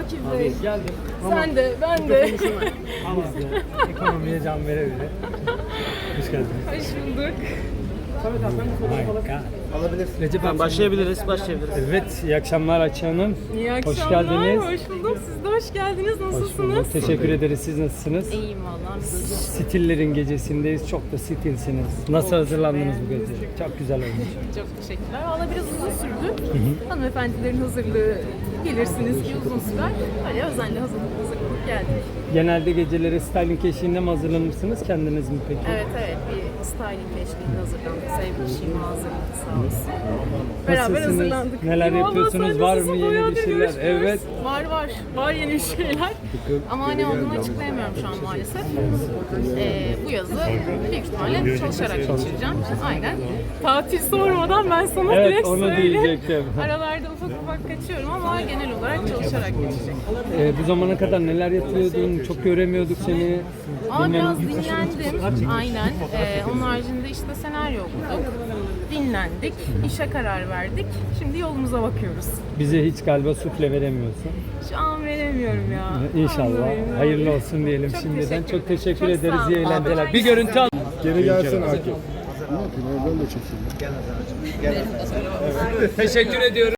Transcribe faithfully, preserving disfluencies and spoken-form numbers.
Akif Bey. Geldim. Sen de, ben de. Ama ekonomiye can vere vere. Hoş geldiniz. Hoş bulduk. Harika. Alabilirsin. Recep Tamam, başlayabiliriz, başlayabiliriz. Evet, iyi akşamlar Ayça Hanım. İyi akşamlar. Hoş geldiniz. Hoş bulduk. Siz de hoş geldiniz. Hoş Nasılsınız? bulduk. Teşekkür ederiz. Siz nasılsınız? İyiyim vallahi. Stillerin gecesindeyiz. Çok da stilsiniz. Nasıl hazırlandınız bu gece? Çok güzel olmuş. Çok teşekkürler. Valla biraz uzun sürdü. Hanımefendilerin hazırlığı bilirsiniz ki uzun sürer. Öyle özenle hazırlık hazırlık geldik. Genelde geceleri styling eşliğinde mi hazırlanırsınız? Kendiniz mi peki? Evet evet bir styling eşliğinde hazırlandık. Sevgili Şima hazırladı sağ olsun. Beraber Nasılsınız? hazırlandık. Neler İyi vallahi, yapıyorsunuz? sen Var mı nasılsın? yeni bir Bayağıdır şeyler? görüşmüyoruz. Evet. Var var. Var yeni bir şeyler. Ama ne olduğunu açıklayamıyorum şu an maalesef. Ee, bu yazı büyük ihtimalle çalışarak geçireceğim. Aynen. Tatil sormadan ben sana Evet, direkt onu söyleyeyim. diyecektim. Aralarda ufak ufak kaçıyorum ama genel olarak çalışarak geçecek. Ee, bu zamana kadar neler yapıyordun? Çok göremiyorduk seni. Ama Dinlen- biraz dinlendim. Aynen. Ee, onun haricinde işte senaryo okuduk. Dinlendik. İşe karar verdik. Şimdi yolumuza bakıyoruz. Bize hiç galiba sufle veremiyorsun. Şu an veremiyorum ya. İnşallah. Anlayın. Hayırlı olsun diyelim Çok şimdiden. teşekkür Çok teşekkür ederim. Çok ederiz. sağ İyi olun. eğlenceler. Kolay Bir görüntü al. Geri gelsin Akif. Ne yapayım? Oradan da çekeyim. Teşekkür ediyorum.